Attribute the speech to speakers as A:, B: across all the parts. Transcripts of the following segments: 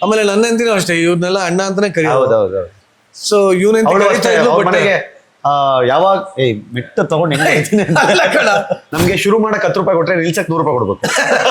A: ಆಮೇಲೆ ನನ್ನ ಹೆಂಡತಿನೂ ಅಷ್ಟೇ, ಇವ್ರನ್ನೆಲ್ಲ ಅಣ್ಣ ಅಂತಾನೆ ಕರೆಯೋದು.
B: ಹೌದೌದು.
A: ಸೊ ಇವನ
B: ಮನೆಗೆ ಯಾವಾಗ ಮೆಟ್ಟ ತಗೊಂಡ್ ಹೆಂಗ್ ಹೇಳ್ತೀನಿ ನಮ್ಗೆ ಶುರು ಮಾಡಕ್ 10 ರೂಪಾಯಿ ಕೊಟ್ರೆ ನಿಲ್ಸಕ್ 100 ರೂಪಾಯಿ ಕೊಡ್ಬೇಕು.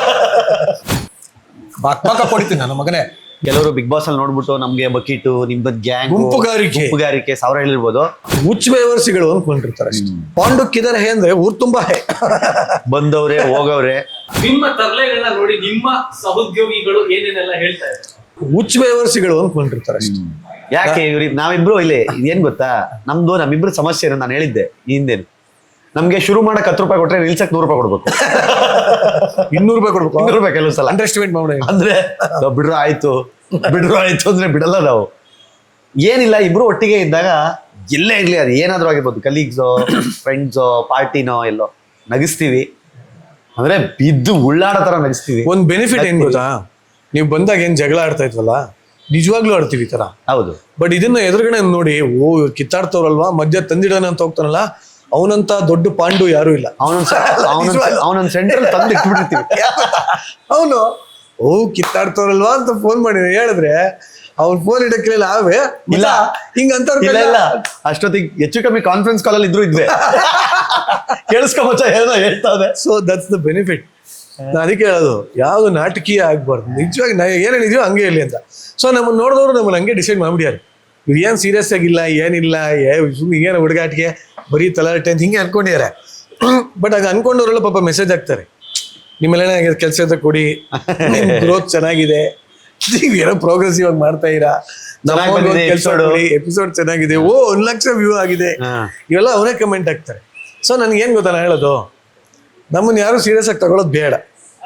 A: ಬಾಕ ಕೊಡ್ತೀನಿ ನನ್ನ ಮಗನೇ.
B: ಕೆಲವರು ಬಿಗ್ ಬಾಸ್ ಅಲ್ಲಿ ನೋಡ್ಬಿಟ್ಟು ನಮ್ಗೆ ಬಕೀಟು ನಿಮ್ದು ಗ್ಯಾಂಗ್ ಗುಂಪುಗಾರಿಕೆ 1000 ಹೇಳಿರ್ಬೋದು,
A: ಹುಚ್ಚ ಬೇವರ್ಸಿಗಳು ಅನ್ಕೊಂಡಿರ್ತಾರೆ ಅಷ್ಟೇ. ಪಾಂಡುಕ್ಕಿದಾರೆ ಹೇ ಅಂದ್ರೆ ಊರ್ ತುಂಬಾ ಹೇ
B: ಬಂದವ್ರೆ ಹೋಗವ್ರೆ.
C: ನಿಮ್ಮ ತರಲೆಗಳನ್ನ ನೋಡಿ ನಿಮ್ಮ ಸಹೋದ್ಯೋಗಿಗಳು ಏನೇನೆಲ್ಲ ಹೇಳ್ತಾ ಇದ್ದಾರೆ?
A: ಹುಚ್ಚ ಬೇವರ್ಸಿಗಳು ಅನ್ಕೊಂಡಿರ್ತಾರೆ ಅಷ್ಟೇ.
B: ಯಾಕೆ ನಾವಿಬ್ರು ಇಲ್ಲಿ ಏನ್ ಗೊತ್ತಾ, ನಮ್ಮಿಬ್ರು ಸಮಸ್ಯೆ ನಾನು ಹೇಳಿದ್ದೆ ಈ ಹಿಂದೇನು, ನಮ್ಗೆ ಶುರು ಮಾಡಕ್ 10 ರೂಪಾಯಿ ಕೊಟ್ರೆ ನಿಲ್ಸಕ್ 100 ರೂಪಾಯಿ ಕೊಡ್ಬೇಕು.
A: 200 ರೂಪಾಯಿ ಕೊಡ್ಬೇಕು.
B: 200 ರೂಪಾಯಿ ಕೆಲವು ಸಲ
A: ಅಂಡರ್ ಎಸ್ಟಿಮೇಟ್ ಮಾಡಿ
B: ಅಂದ್ರೆ ಬಿಡ್ರು ಆಯ್ತು ಅಂದ್ರೆ ಬಿಡಲ್ಲ ನಾವು. ಏನಿಲ್ಲ, ಇಬ್ರು ಒಟ್ಟಿಗೆ ಇದ್ದಾಗ ಎಲ್ಲೇ ಇರ್ಲಿ, ಅದು ಏನಾದ್ರೂ ಆಗಿರ್ಬೋದು, ಕಲೀಗ್ಸೋ ಫ್ರೆಂಡ್ಸೋ ಪಾರ್ಟಿನೋ ಎಲ್ಲೋ ನಗಿಸ್ತೀವಿ, ಅಂದ್ರೆ ಬಿದ್ದು ಉಳ್ಳಾಡೋ ತರ ನಗಿಸ್ತೀವಿ.
A: ಒಂದ್ ಬೆನಿಫಿಟ್ ಏನ್ ಗೊತ್ತಾ, ನೀವು ಬಂದಾಗ ಏನ್ ಜಗಳ ಆಡ್ತಾ ಇದ್ವಲ್ಲ, ನಿಜವಾಗ್ಲೂ ಆಡ್ತೀವಿ ಈ ತರ.
B: ಹೌದು.
A: ಬಟ್ ಇದನ್ನ ಎದುರುಗಡೆ ನೋಡಿ, ಓ ಇವ್ರು ಕಿತ್ತಾಡ್ತವ್ರಲ್ವಾ, ಮಧ್ಯ ತಂದಿಡೋಣ ಅಂತ ಹೋಗ್ತಾನಲ್ಲ, ಅವನಂತ ದೊಡ್ಡ ಪಾಂಡು ಯಾರು ಇಲ್ಲ.
B: ಅವನೊಂದ್ ಸೆಂಟ್ರಲ್ ತಂದು ಇಟ್ಬಿಟ್ಟಿರ್ತೀವಿ.
A: ಅವನು ಓ ಕಿತ್ತಾಡ್ತವ್ರಲ್ವಾ ಅಂತ ಫೋನ್ ಮಾಡಿ ಹೇಳಿದ್ರೆ ಅವ್ನ್ ಫೋನ್ ಇಡಕ್ಕಿಲ್ಲ. ಅವೇ
B: ಇಲ್ಲ
A: ಹಿಂಗಂತ
B: ಇಲ್ಲ ಅಷ್ಟೊತ್ತಿಗೆ ಹೆಚ್ಚು ಕಮ್ಮಿ ಕಾನ್ಫರೆನ್ಸ್ ಕಾಲ್ ಅಲ್ಲಿ ಇದ್ವಿ. ಕೇಳಿಸ್ಕೊಂಬಚ್ಚ ಏನೋ ಹೇಳ್ತಾವೆ.
A: So that's the benefit. ನಾನು ಅದಕ್ಕೆ ಹೇಳೋದು, ಯಾವ್ದು ನಾಟಕೀಯ ಆಗ್ಬಾರ್ದು, ನಿಜವಾಗಿ ಏನೇನಿದೆಯೋ ಹಂಗೆ ಇರಲಿ ಅಂತ. ಸೊ ನಮ್ಮನ್ನ ನೋಡಿದವರು ನಮ್ಮನ್ನ ಹಂಗೆ ಡಿಸೈಡ್ ಮಾಡ್ಬಿಡ್ಯಾರ, ಇವ್ರು ಏನ್ ಸೀರಿಯಸ್ ಆಗಿಲ್ಲ, ಏನಿಲ್ಲ, ಏನು ಹುಡುಗಾಟಿಗೆ ಬರೀ ತಲಾಟೆ ಅಂತ ಹಿಂಗೆ ಅನ್ಕೊಂಡಿದ್ದಾರೆ. ಬಟ್ ಆಗ ಅನ್ಕೊಂಡವ್ರೆಲ್ಲ ಪಾಪ ಮೆಸೇಜ್ ಹಾಕ್ತಾರೆ, ನಿಮ್ಮೆಲ್ಲ ಕೆಲಸ ಕೊಡಿ, ಗ್ರೋತ್ ಚೆನ್ನಾಗಿದೆ, ನೀವೇನೋ ಪ್ರೋಗ್ರೆಸಿವ್ ಆಗಿ ಮಾಡ್ತಾ ಇರಾ, ಎಪಿಸೋಡ್ ಚೆನ್ನಾಗಿದೆ, ಓ 1 ಲಕ್ಷ ವ್ಯೂ ಆಗಿದೆ, ಇವೆಲ್ಲ ಅವರೇ ಕಮೆಂಟ್ ಹಾಕ್ತಾರೆ. ಸೊ ನನ್ಗೆ ಏನ್ ಗೊತ್ತಾ, ನಾನು ಹೇಳೋದು, ನಮ್ಮನ್ನ ಯಾರು ಸೀರಿಯಸ್ ಆಗಿ ತಗೊಳ್ಳೋದು ಬೇಡ.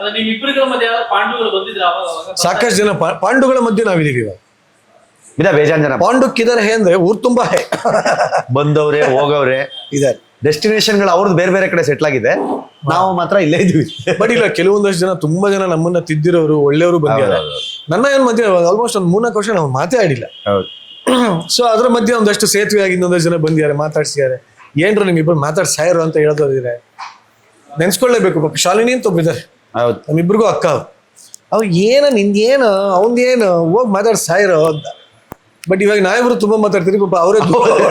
A: ಸಾಕಷ್ಟು ಜನ ಪಾಂಡುಗಳ ಮಧ್ಯೆ ನಾವಿದೀವಿ ಇವಾಗ.
B: ಬೇಜಾನ್ ಜನ
A: ಪಾಂಡುಕ್ಕಿದಾರೆ ಹೇ ಅಂದ್ರೆ ಊರ್ ತುಂಬಾ ಹೇ
B: ಬಂದವ್ರೆ ಹೋಗವ್ರೆ ಇದಾರೆ. ಡೆಸ್ಟಿನೇಷನ್ಗಳು ಅವ್ರದ್ದು ಬೇರೆ ಬೇರೆ ಕಡೆ ಸೆಟ್ಲ್ ಆಗಿದೆ, ನಾವು ಮಾತ್ರ ಇಲ್ಲೇ ಇದೀವಿ.
A: ಬಟ್ ಇಲ್ಲ, ಕೆಲವೊಂದಷ್ಟು ಜನ ತುಂಬಾ ಜನ ನಮ್ಮನ್ನ ತಿದ್ದಿರೋರು, ಒಳ್ಳೆಯವರು ಬಂದಿದ್ದಾರೆ. ನನ್ನ ಏನ್ ಮಧ್ಯೆ ಆಲ್ಮೋಸ್ಟ್ ಒಂದು 3-4 ವರ್ಷ ನಾವು ಮಾತೇ ಆಡಿಲ್ಲ. ಸೊ ಅದ್ರ ಮಧ್ಯೆ ಒಂದಷ್ಟು ಸೇತುವೆ ಆಗಿ ಇನ್ನೊಂದಷ್ಟು ಜನ ಬಂದಿದ್ದಾರೆ, ಮಾತಾಡ್ಸಿದ್ದಾರೆ. ಏನ್ರು ನಿಮ್ಮಿಬ್ಬರು ಮಾತಾಡ್ಸಾಯರು ಅಂತ ಹೇಳೋದಿದ್ರೆ ನೆನ್ಸ್ಕೊಳ್ಳೇಬೇಕು. ಪಾಪ ಶಾಲಿನಿ ಅಂತ ಒಬ್ಬಿದ್ದಾರೆ, ನಮ್ಮಿಬ್ರಿಗೂ ಅಕ್ಕ. ಅವ್ ನಿಂದೇನು ಅವಂದೇನು ಹೋಗಿ ಮಾತಾಡ್ಸಾಯರು ಅಂತ. ಬಟ್ ಇವಾಗ ನಾವಿಬ್ರು ತುಂಬಾ ಮಾತಾಡ್ತೀರಿ, ಪಾಪ ಅವರೇ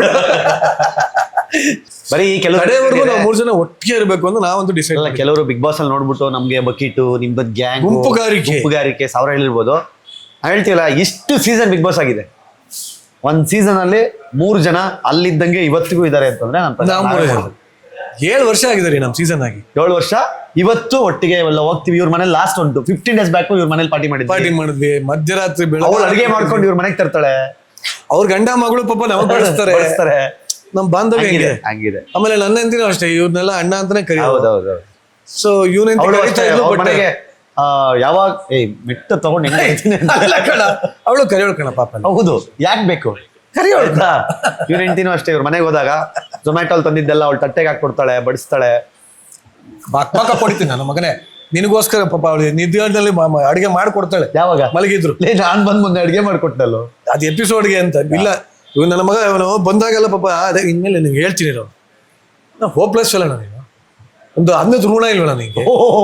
B: ಬರೀ
A: ಕಡೆವರೆಗೂ ನಾವು 3 ಜನ ಒಟ್ಟಿಗೆ ಇರಬೇಕು ಅಂತ ನಾವಂತೂ ಡಿಸೈಡ್.
B: ಕೆಲವರು ಬಿಗ್ ಬಾಸ್ ಅಲ್ಲಿ ನೋಡ್ಬಿಟ್ಟು ನಮ್ಗೆ ಬಕೀಟು ನಿಮ್ದು ಗ್ಯಾಂಗ್
A: ಗುಂಪುಗಾರಿಕೆ
B: 1000 ಹೇಳಿರ್ಬೋದು. ಹೇಳ್ತೀವಲ್ಲ, ಇಷ್ಟು ಸೀಸನ್ ಬಿಗ್ ಬಾಸ್ ಆಗಿದೆ, ಒಂದ್ ಸೀಸನ್ ಅಲ್ಲಿ 3 ಜನ ಅಲ್ಲಿದ್ದಂಗೆ ಇವತ್ತಿಗೂ ಇದಾರೆ ಅಂತಂದ್ರೆ
A: 7 ವರ್ಷ ಆಗಿದೆ ರೀ ನಮ್ ಸೀಸನ್ ಆಗಿ.
B: 7 ವರ್ಷ ಇವತ್ತು ಒಟ್ಟಿಗೆ ಎಲ್ಲ ಹೋಗ್ತೀವಿ. ಇವ್ರ ಮನೇಲಿ ಲಾಸ್ಟ್ ಒಂದು 15 days ಬ್ಯಾಕ್ ಇವ್ರ ಮನೇಲಿ ಪಾರ್ಟಿ ಮಾಡಿದ್ವಿ.
A: ಮಧ್ಯರಾತ್ರಿ
B: ಅವ್ರು ಅಡಿಗೆ ಮಾಡ್ಕೊಂಡು ಇವ್ರ ಮನೆಗೆ ತರ್ತಾಳೆ.
A: ಅವ್ರ ಗಂಡ ಮಗಳು ಪಾಪ ನಾವು ಬಳಸ್ತಾರೆ. ನಮ್ ಬಾಂಧವ್ಯ
B: ಹಂಗಿದೆ.
A: ಆಮೇಲೆ ನನ್ನ ಹೆಂಡತಿನೂ ಅಷ್ಟೇ, ಇವ್ರನ್ನೆಲ್ಲ ಅಣ್ಣ ಅಂತಾನೆ ಕರೆಯೋದು.
B: ಹೌದೌದು.
A: ಸೊ ಇವನ
B: ಮನೆಗೆ ಯಾವಾಗ ಮೆಟ್ಟ ತಗೊಂಡ್ ಹೆಂಗ್ ಹೇಳ್ತೀನಿ
A: ಅವಳು ಕರೆಯೋಳು ಕಣ ಪಾಪ.
B: ಹೌದು, ಯಾಕೆ ಬೇಕು ಕರಿಯೋಳು. ಇವ್ರ ಹೆಂಡತಿನೂ ಅಷ್ಟೇ, ಇವ್ರ ಮನೆಗೆ ಹೋದಾಗ ಝೊಮ್ಯಾಟೋಲ್ ತಂದಿದ್ದೆಲ್ಲ ಅವಳು ತಟ್ಟೆಗೆ ಹಾಕೊಡ್ತಾಳೆ, ಬಡಿಸ್ತಾಳೆ.
A: ಬಾಕ ಕೊಡ್ತೀನಿ ನನ್ನ ಮಗನೇ, ನಿನಗೋಸ್ಕರ ಪಾಪ ಅವಳು ನಿದ್ಯಾದಲ್ಲಿ ಅಡಿಗೆ ಮಾಡ್ಕೊಡ್ತಾಳೆ.
B: ಯಾವಾಗ
A: ಮಲಗಿದ್ರು
B: ನಾನ್ ಬಂದ್ ಮುಂದೆ ಅಡಿಗೆ ಮಾಡ್ಕೊಟ್ಟಲ್ಲ,
A: ಅದು ಎಪಿಸೋಡ್ಗೆ ಅಂತ. ಇಲ್ಲ, ಇವ್ ನನ್ನ ಮಗ ಅವನು ಬಂದಾಗೆಲ್ಲ ಪಾಪ ಅದೇ ಇನ್ಮೇಲೆ ನಿಮ್ಗೆ ಹೇಳ್ತೀನಿ, ನಾವು ಹೋಪ್ಲೆಸ್ ಅಲ್ಲ ನಾನು. ಒಂದು ಅನ್ನದ ಋಣ ಇಲ್ವ ನನಗೆ,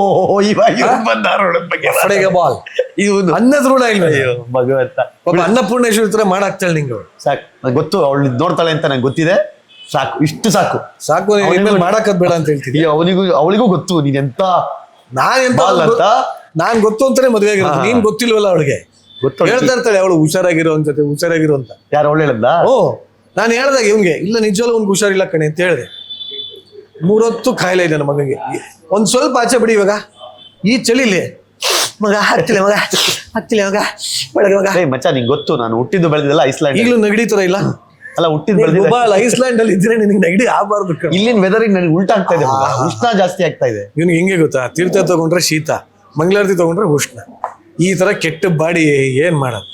A: ಬಾಲ್ ಅನ್ನದ ಋಣ ಇಲ್ವ
B: ಭಗವಂತ.
A: ಪಾಪ ಅನ್ನಪೂರ್ಣೇಶ್ವರಿ ತರ ಮಾಡಾಕ್ತಾಳೆ ನಿಂಗೆ.
B: ಸಾಕು, ಗೊತ್ತು ಅವಳು ನೋಡ್ತಾಳೆ ಅಂತ ನಂಗೆ ಗೊತ್ತಿದೆ. ಸಾಕು, ಇಷ್ಟು ಸಾಕು
A: ಇನ್ಮೇಲೆ ಮಾಡಾಕದ್ ಬೇಡ ಅಂತ ಹೇಳ್ತೀನಿ.
B: ಅವಳಿಗೂ ಗೊತ್ತು ನೀನ್ ಎಂತ
A: ನಾನ್ ಗೊತ್ತು ಅಂತಾನೆ ಮದ್ವೆ ಆಗಿರೋದು. ನೀನ್ ಗೊತ್ತಿಲ್ವಲ್ಲ ಅವಳಿಗೆ, ಹೇಳ್ತಾ ಇರ್ತಾಳೆ ಅವಳು ಹುಷಾರಾಗಿರೋ ಅಂತ.
B: ಯಾರು ಅವಳು ಹೇಳದ್ದ?
A: ಓ, ನಾನು ಹೇಳ್ದಾಗ ಇವ್ನಿಗೆ ಇಲ್ಲ ನಿಜವಲ್ಲ ಅವ್ನಿಗೆ ಹುಷಾರಿಲ್ಲ ಕಣೆ ಅಂತ ಹೇಳಿದೆ. 3 ಹೊತ್ತು ಕಾಯಿಲೆ ಇದೆ ನನ್ನ ಮಗನಿಗೆ. ಒಂದ್ ಸ್ವಲ್ಪ ಆಚೆ ಬಿಡಿ, ಇವಾಗ ಈ ಚಳಿಲಿ ಮಗ ಹತ್ತಿಲ್ಲ
B: ಮಚ್ಚ. ನಿಂಗೆ ಗೊತ್ತು ನಾನು ಹುಟ್ಟಿದ್ದು ಬೆಳೆದಿಲ್ಲ ಐಸ್ಲ್ಯಾಂಡ್.
A: ಈಗಲೂ ನೆಗಡಿ ತರ ಇಲ್ಲ
B: ಅಲ್ಲ, ಹುಟ್ಟಿದ್ದು ಬೆಳೆದಿಲ್ಲ
A: ಐಸ್ಲ್ಯಾಂಡ್ ಅಲ್ಲಿ ಇದ್ರೆ ನಿನಗೆ ನೆಗಡಿ ಆಗಬಾರ್ದು.
B: ಇಲ್ಲಿನ ವೆದರ್ ನನಗೆ ಉಲ್ಟಾ ಆಗ್ತಾ ಇದೆ, ಉಷ್ಣ ಜಾಸ್ತಿ ಆಗ್ತಾ ಇದೆ.
A: ಇವ್ನಿಗೆ ಹೆಂಗೆ ಗೊತ್ತಾ, ತೀರ್ಥ ತಗೊಂಡ್ರೆ ಶೀತ, ಮಂಗಳಾರತಿ ತಗೊಂಡ್ರೆ ಉಷ್ಣ, ಈ ತರ ಕೆಟ್ಟ ಬಾಡಿ ಏನ್ ಮಾಡೋದು.